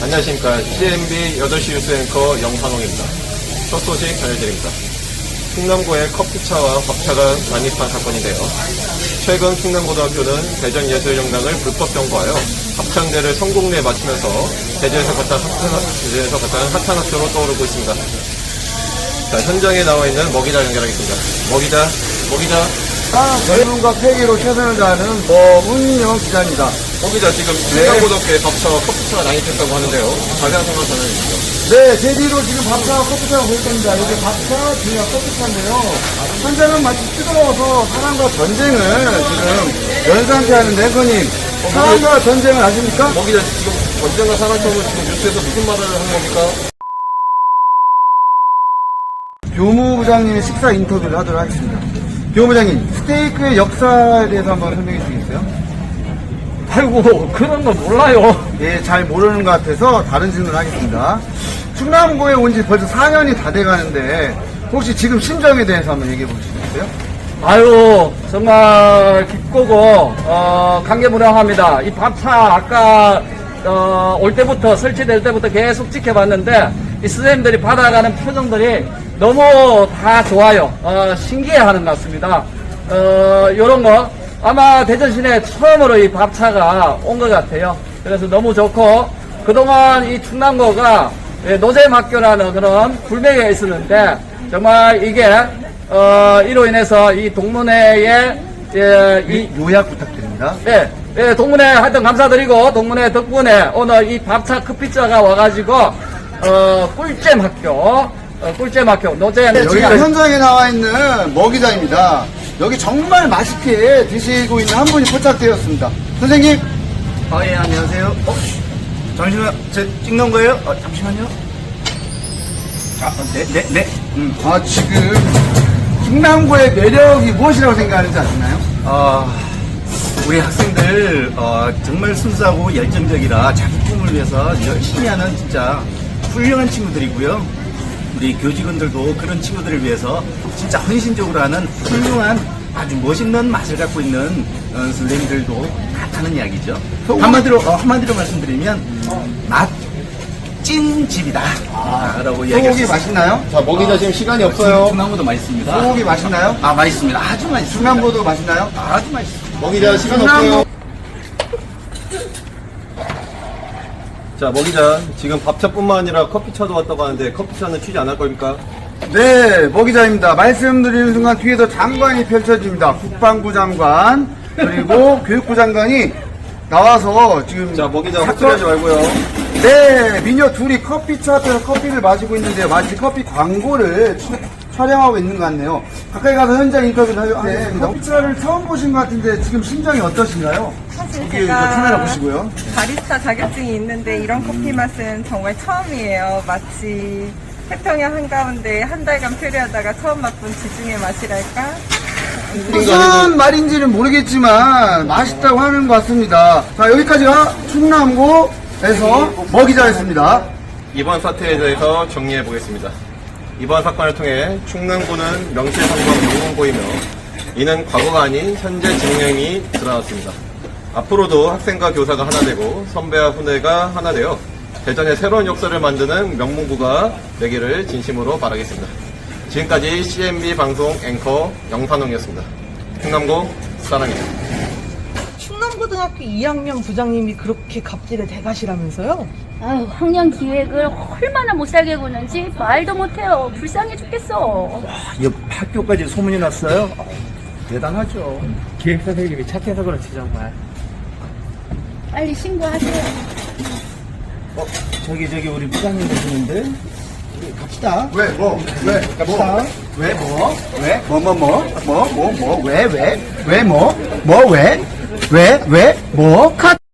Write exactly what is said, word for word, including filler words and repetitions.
안녕하십니까. 씨엠비 여덟 시 뉴스 앵커 영상홍입니다. 첫 소식 전해드립니다. 충남고의 커피차와 밥차가 난입한 사건인데요. 최근 충남고등학교는 대전예술영당을 불법 점거하여 합창대를 성공리에 맞추면서 대전에서 가장 핫한, 대전에서 가장 핫한 학교로 떠오르고 있습니다. 자, 현장에 나와 있는 먹이자 연결하겠습니다. 먹이자, 먹이자. 아, 젊음과 폐기로 최선을 다하는 뭐문영 기자입니다. 먹이자, 지금 충남고등학교에 밥차와 커피차가 난입했다고 하는데요. 자세한 상황 전해주시죠. 네, 제 뒤로 지금 밥차와 커피차가 보일 겁니다. 여기 밥차, 뒤가 커피차인데요. 현장은 마치 뜨거워서 사람과 전쟁을 지금 연상케 하는데, 앵커님. 사람과 전쟁을 아십니까? 먹이자, 지금 전쟁과 산악처럼 지금 뉴스에서 무슨 말을 하는 겁니까? 교무부장님의 식사 인터뷰를 하도록 하겠습니다. 교무부장님, 스테이크의 역사에 대해서 한번 설명해 주시겠어요? 아이고, 그런 거 몰라요. 예, 잘 모르는 것 같아서 다른 질문을 하겠습니다. 충남고에 온 지 벌써 사 년이 다 돼가는데 혹시 지금 심정에 대해서 한번 얘기해 보시겠어요? 아유, 정말 기쁘고, 어, 감개무량합니다. 이 밥차, 아까, 어, 올 때부터, 설치될 때부터 계속 지켜봤는데, 이 선생님들이 받아가는 표정들이 너무 다 좋아요. 어, 신기해 하는 것 같습니다. 어, 요런 거, 아마 대전 시내에 처음으로 이 밥차가 온 것 같아요. 그래서 너무 좋고, 그동안 이 충남고가 노잼 학교라는 그런 불명예가 있었는데, 정말 이게, 어, 이로 인해서 이 동문회에, 예, 이, 요약 부탁드립니다. 네, 예, 동문회 하여튼 감사드리고, 동문회 덕분에 오늘 이 밥차 커피차가 와가지고, 어, 꿀잼 학교, 어, 꿀잼 학교, 노잼. 네, 지금 현장에 나와 있는 먹이자입니다. 여기 정말 맛있게 드시고 있는 한 분이 포착되었습니다. 선생님. 아, 예, 안녕하세요. 어? 잠시만요. 제 찍는 거예요? 어, 잠시만요. 아, 네, 네, 네. 음. 아, 지금 충남고의 매력이 무엇이라고 생각하는지 아시나요? 아, 우리 학생들, 어, 정말 순수하고 열정적이라 자기 꿈을 위해서 열심히 하는 진짜 훌륭한 친구들이고요. 우리 교직원들도 그런 친구들을 위해서 진짜 헌신적으로 하는 훌륭한 아주 멋있는 맛을 갖고 있는 어, 선생님들도 많다는 이야기죠. 한마디로, 어, 한마디로 말씀드리면 맛 찐집이다. 아, 라고 소고기 이야기했습니다. 맛있나요? 자, 먹이자 지금 시간이 없어요. 충남고도 맛있습니다. 소고기 맛있나요? 아, 맛있습니다. 아주 맛있습니다. 충남고도 맛있나요? 아주 맛있습니다. 먹이자, 시간 충남고- 없어요. 자, 먹이자, 지금 밥차뿐만 아니라 커피차도 왔다고 하는데 커피차는 취재 안 할 겁니까? 네, 먹이자입니다. 말씀드리는 순간 뒤에서 장관이 펼쳐집니다. 국방부 장관, 그리고 교육부 장관이 나와서 지금. 자, 먹이자 사건- 헛소리하지 말고요. 네, 미녀 둘이 커피차 앞에서 커피를 마시고 있는데 마치 커피 광고를 추- 촬영하고 있는 것 같네요. 가까이 가서 현장 인터뷰를 하겠습니다. 커피차를 처음 보신 것 같은데 지금 심정이 어떠신가요? 사실 여기 이거 카메라 보시고요. 바리스타 자격증이 있는데 이런 커피 맛은 정말 처음이에요. 마치 태평양 한가운데 한 달간 표류하다가 처음 맛본 지중해 맛이랄까? 무슨 말인지는 모르겠지만 맛있다고 하는 것 같습니다. 자, 여기까지가 충남고에서 먹이자였습니다. 이번 사태에 대해서 정리해 보겠습니다. 이번 사건을 통해 충남고는 명실상부한 명문고이며 이는 과거가 아닌 현재 진행이 드러났습니다. 앞으로도 학생과 교사가 하나 되고 선배와 후배가 하나 되어 대전의 새로운 역사를 만드는 명문고가 되기를 진심으로 바라겠습니다. 지금까지 씨엠비 방송 앵커 영산홍이었습니다. 충남고 사랑해요. 충남고등학교 이 학년 부장님이 그렇게 갑질의 대가시라면서요? 아유, 학년 기획을 얼마나 못살게 구는지 말도 못해요. 불쌍해 죽겠어. 옆 학교까지 소문이 났어요? 대단하죠. 기획 선생님이 착해서 그렇지, 정말. 빨리 신고하세요. 어, 저기, 저기, 우리 부장님 계시는데? 우리 갑시다. 왜, 뭐, 왜, 갑시다. 왜, 뭐, 왜, 뭐, 뭐, 뭐, 뭐, 뭐, 뭐, 왜, 왜, 왜, 뭐, 뭐, 왜, 왜, 왜, 뭐, 컷!